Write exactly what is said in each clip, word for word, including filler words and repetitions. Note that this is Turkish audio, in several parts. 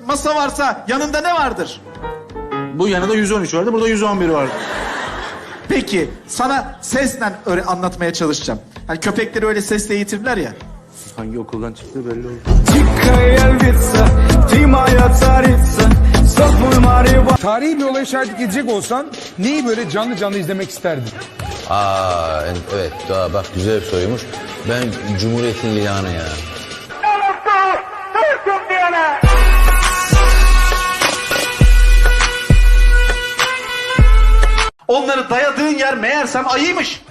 masa varsa yanında ne vardır? Bu yanında yüz on üç vardı, burada yüz on bir vardı. Peki sana sesle öyle anlatmaya çalışacağım. Hani köpekleri öyle sesle eğitirler ya. Hangi okuldan çıktığı belli oldu. Tarihi bir olaya şahitlik edecek olsan neyi böyle canlı canlı izlemek isterdin? Aa evet daha bak güzel bir soruymuş. Ben Cumhuriyet'in ilanı ya. Onları dayadığın yer meğersem ayıymış.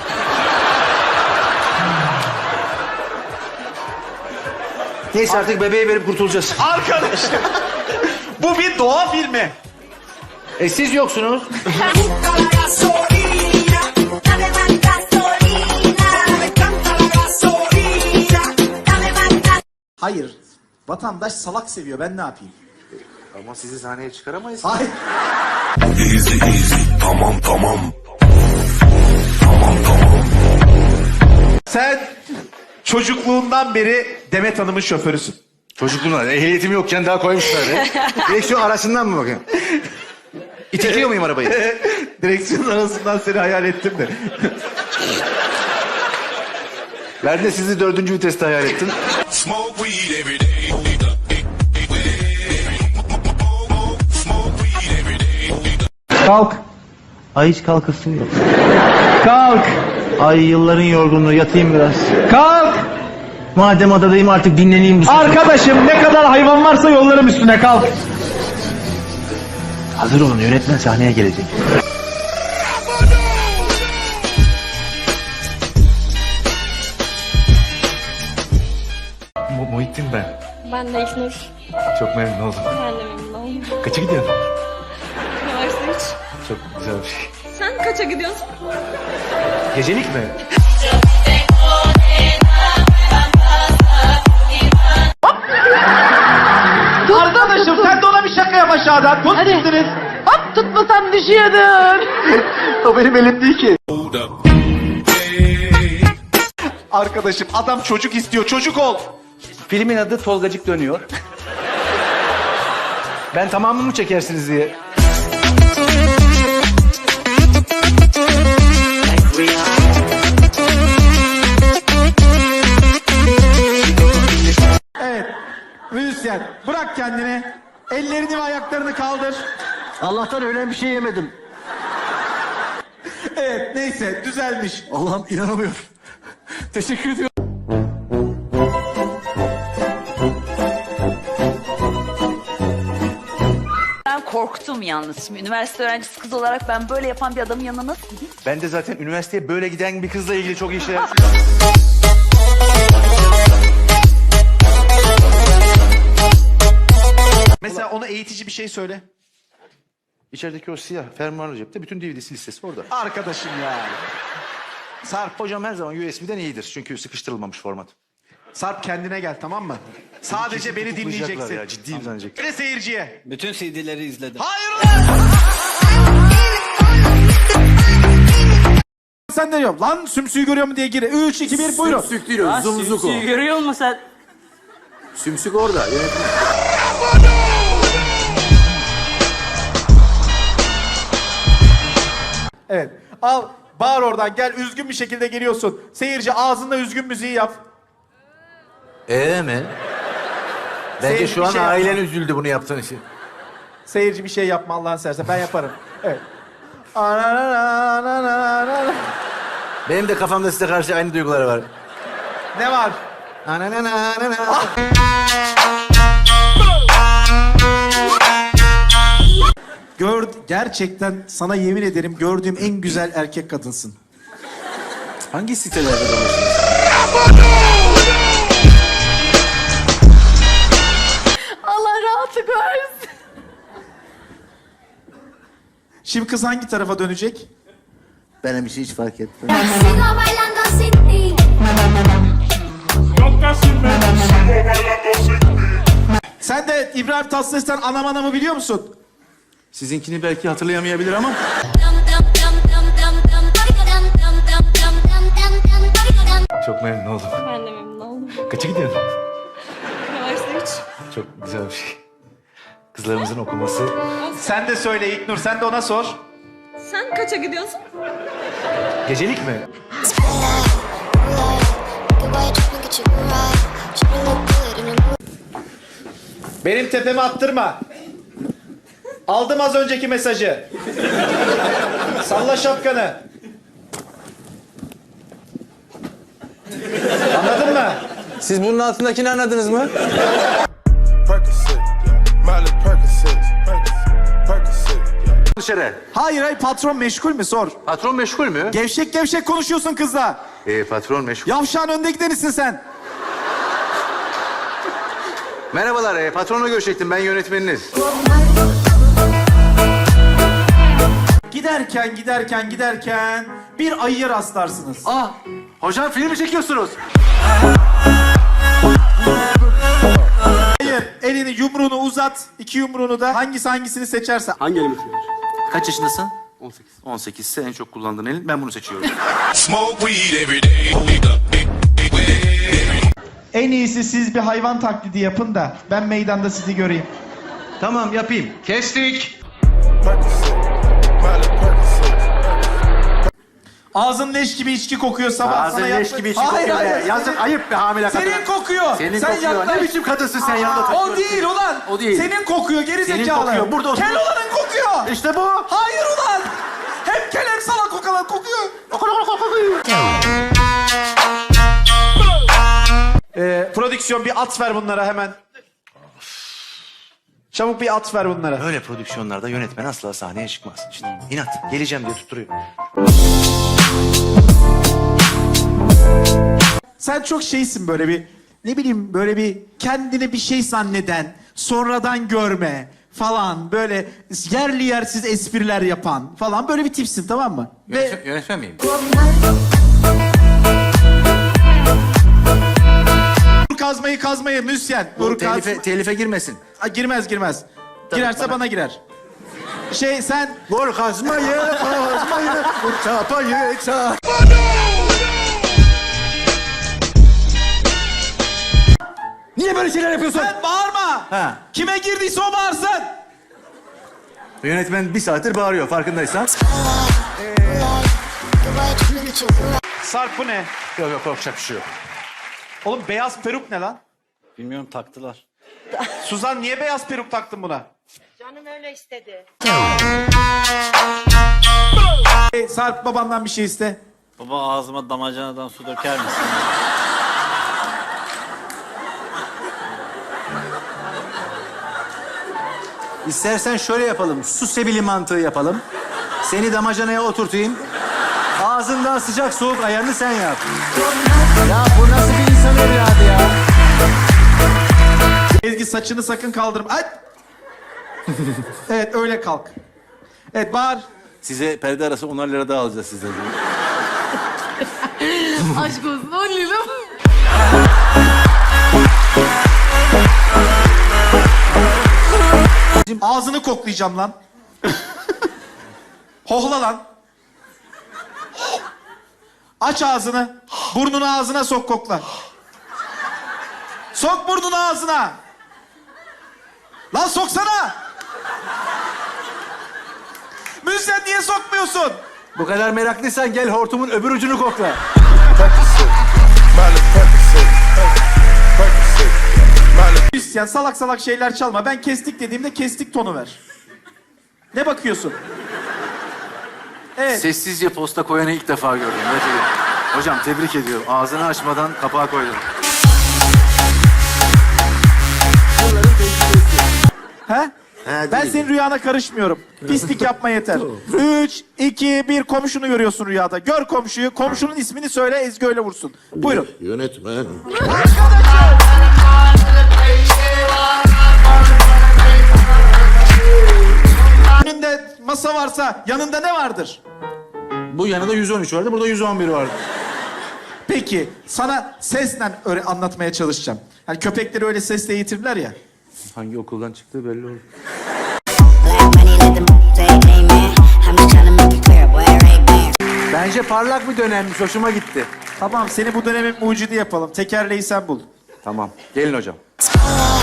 Neyse artık bebeği verip kurtulacağız. Arkadaşım bu bir doğa filmi. E siz yoksunuz. Hayır. Vatandaş salak seviyor. Ben ne yapayım? Ama sizi sahneye çıkaramayız. Hayır. Easy easy tamam tamam. Tamam tamam. Sen çocukluğundan beri Demet Hanım'ın şoförüsün. Çocukluğumda ehliyetim yokken daha koymuşlar ya. Direksiyon arasından mı bakayım? İtekliyor muyum arabayı? Direksiyon arasından seni hayal ettim de. Ben de sizi dördüncü viteste hayal ettim. Smoke weed every day. Kalk. Ay hiç kalkasın yok. Kalk. Ay yılların yorgunluğu yatayım biraz. Kalk. Madem adadayım artık dinleneyim. Bu Arkadaşım ne kadar hayvan varsa yollarım üstüne kalk. Hazır olun yönetmen sahneye gelecek. Mu Muhittin ben. Ben de İlknur. Çok memnun oldum. Ben de memnun oldum. Kaça gidiyorsun? Üniversite üç. Çok güzel bir şey. Sen kaça gidiyorsun? Gecelik mi? Arkadaşım sen de ona bir şaka yap aşağıdan. Tut üstünüz. Hop tutmasam düşüyordun. O benim elim değil ki. Hold up. Arkadaşım adam çocuk istiyor. Çocuk ol. Filmin adı Tolgacık Dönüyor. Ben tamamını mı çekersiniz diye. Evet. Müzisyen bırak kendini. Ellerini ve ayaklarını kaldır. Allah'tan öyle bir şey yemedim. Evet neyse düzelmiş. Allah'ım inanamıyorum. Teşekkür ediyorum. Ben korktum yalnız. Şimdi üniversite öğrencisi kız olarak ben böyle yapan bir adamın yanına nasıl gideyim? Ben de zaten üniversiteye böyle giden bir kızla ilgili çok iyi şeyler... Mesela ona eğitici bir şey söyle. İçerideki o siyah fermuarlı cepte bütün D V D'si listesi orada. Arkadaşım ya. Sarp hocam her zaman U S B'den iyidir çünkü sıkıştırılmamış format. Sarp kendine gel tamam mı? Sadece beni dinleyeceksin. Ya, ciddiyim zannedecek. Ve seyirciye. Bütün C D'leri izledim. Hayır lan! Sen de yok. Lan sümsüğü görüyor mu diye gir. Üç, iki, bir buyurun. Sümsük değil o, zumzuk o. Görüyor musun sen? Sümsük orada. Yönetim. Evet. Al bağır oradan gel üzgün bir şekilde geliyorsun. Seyirci ağzında üzgün müziği yap. Ee mi? Bence Seyirci şu bir an şey ailen yapma. üzüldü bunu yaptığın için. Seyirci bir şey yapma Allah'ın seversen ben yaparım. Evet. Anananananana. Benim de kafamda size karşı aynı duygular var. Ne var? Ananananana. Gör, gerçekten sana yemin ederim gördüğüm en güzel erkek kadınsın. Hangi sitelerde dolaşıyorsun? Allah rahatlık versin. Şimdi kız hangi tarafa dönecek? Benim için hiç fark etmez. Sen de İbrahim Tatlıses'ten Anam Anam'ı biliyor musun? Sizinkini belki hatırlayamayabilir ama... Çok memnun oldum. Ben de memnun oldum. Kaça gidiyorsun? Üniversite üç. Çok güzel bir şey. Kızlarımızın okuması. Sen de söyle İlknur, sen de ona sor. Sen kaça gidiyorsun? Gecelik mi? Benim tepeme attırma. Aldım az önceki mesajı. Salla şapkanı. Anladın mı? Siz bunun altındakini anladınız mı? Percocet, yeah. Miley Percocet, Percocet, Percocet, yeah. Dışarı. Hayır hayır, patron meşgul mü sor. Patron meşgul mü? Gevşek gevşek konuşuyorsun kızla. Ee, patron meşgul. Yavşağın önde gidenisin sen. Merhabalar, e, patronla görüşecektim. Ben yönetmeniniz. Giderken giderken giderken bir ayıya rastlarsınız. Ah, hocam film mi çekiyorsunuz? Hayır, elini yumruğunu uzat, iki yumruğunu da hangisi hangisini seçerse. Hangi elimi seviyorsun? Kaç yaşındasın? on sekiz. on sekiz ise en çok kullandığın elin. Ben bunu seçiyorum. Smoke weed every day. En iyisi siz bir hayvan taklidi yapın da ben meydanda sizi göreyim. Tamam, yapayım. Kestik. Percocet, Miley Percocet. Ağzın leş gibi içki kokuyor sabah. Ağzın sana leş yakla- gibi içki Hayır, kokuyor. hayır, be. Yazık, senin- ayıp be hamile kadın. Senin kokuyor. Senin Sen kokuyor. yaklaş. Ne biçim kadınsın sen, yanında Aa, takıyorsun. o değil ulan. O değil. Senin kokuyor geri Senin zekalı. kokuyor, burada otur. Kel olanın kokuyor. İşte bu. Hayır ulan. Hem kel hem salak kokalan kokuyor. Ee, prodüksiyon bir at ver bunlara hemen. Çabuk bir at ver bunlara. Böyle prodüksiyonlarda yönetmen asla sahneye çıkmaz. İşte inat. Geleceğim diye tutturuyor. Sen çok şeysin böyle bir, ne bileyim böyle bir kendini bir şey zanneden, sonradan görme falan, böyle yerli yersiz espriler yapan falan böyle bir tipsin, tamam mı? Ve Yönetmen miyim? vur kazmayı kazmayı müsyen. Vur kaz... Telife, telife girmesin. Aa, girmez girmez. Girerse bana... girer. Şey sen Vur kazmayı, kazmayı, vur çapayı, çap. Niye böyle şeyler yapıyorsun? sen bağırma. Ha. Kime girdiyse o bağırsın. Yönetmen bir saattir bağırıyor, farkındaysan. Sarp bu ne? Yok yok, korkacak bir şey yok. Oğlum beyaz peruk ne lan? Bilmiyorum, taktılar. Suzan niye beyaz peruk taktın buna? Canım öyle istedi. Hey, Sarp babandan bir şey iste. Baba, ağzıma damacanadan su döker misin? İstersen şöyle yapalım, su sebili mantığı yapalım. Seni damacanaya oturtayım. Ağzından sıcak soğuk ayarını sen yap. Ya bu nasıl bir insan evladı ya? Ezgi saçını sakın kaldırma. Ay! Evet öyle kalk. Evet bağır. Size perde arası onar lira daha alacağız sizden. Aşk olsun on lira. Ağzını koklayacağım lan. Hohla lan. Aç ağzını. Burnunu ağzına sok kokla. Sok burnunu ağzına. Lan soksana. Müzisyen niye sokmuyorsun? Bu kadar meraklıysan gel hortumun öbür ucunu kokla. Percocet, Miley Percocet, Percocet, yeah. Miley. Müzisyen salak salak şeyler çalma. Ben kestik dediğimde kestik tonu ver. Ne bakıyorsun? Evet. Sessizce posta koyanı ilk defa gördüm. Gerçekten. Hocam tebrik ediyorum. Ağzını açmadan kapağı koydun. He? He, Ben değil. senin rüyana karışmıyorum. Pislik yapma yeter. Üç, iki, bir komşunu görüyorsun rüyada. Gör komşuyu. Komşunun ismini söyle, Ezgi öyle vursun. Buyurun. Yönetmen. Önünde masa varsa yanında ne vardır? Bu yanında yüz on üç vardı, burada yüz on bir vardı. Peki sana sesle öyle anlatmaya çalışacağım. Hani köpekleri öyle sesle eğitirler ya. Hangi okuldan çıktığı belli oldu. Bence parlak bir dönemmiş, hoşuma gitti. Tamam seni bu dönemin mucidi yapalım. Tekerleği sen bul. Tamam, gelin hocam.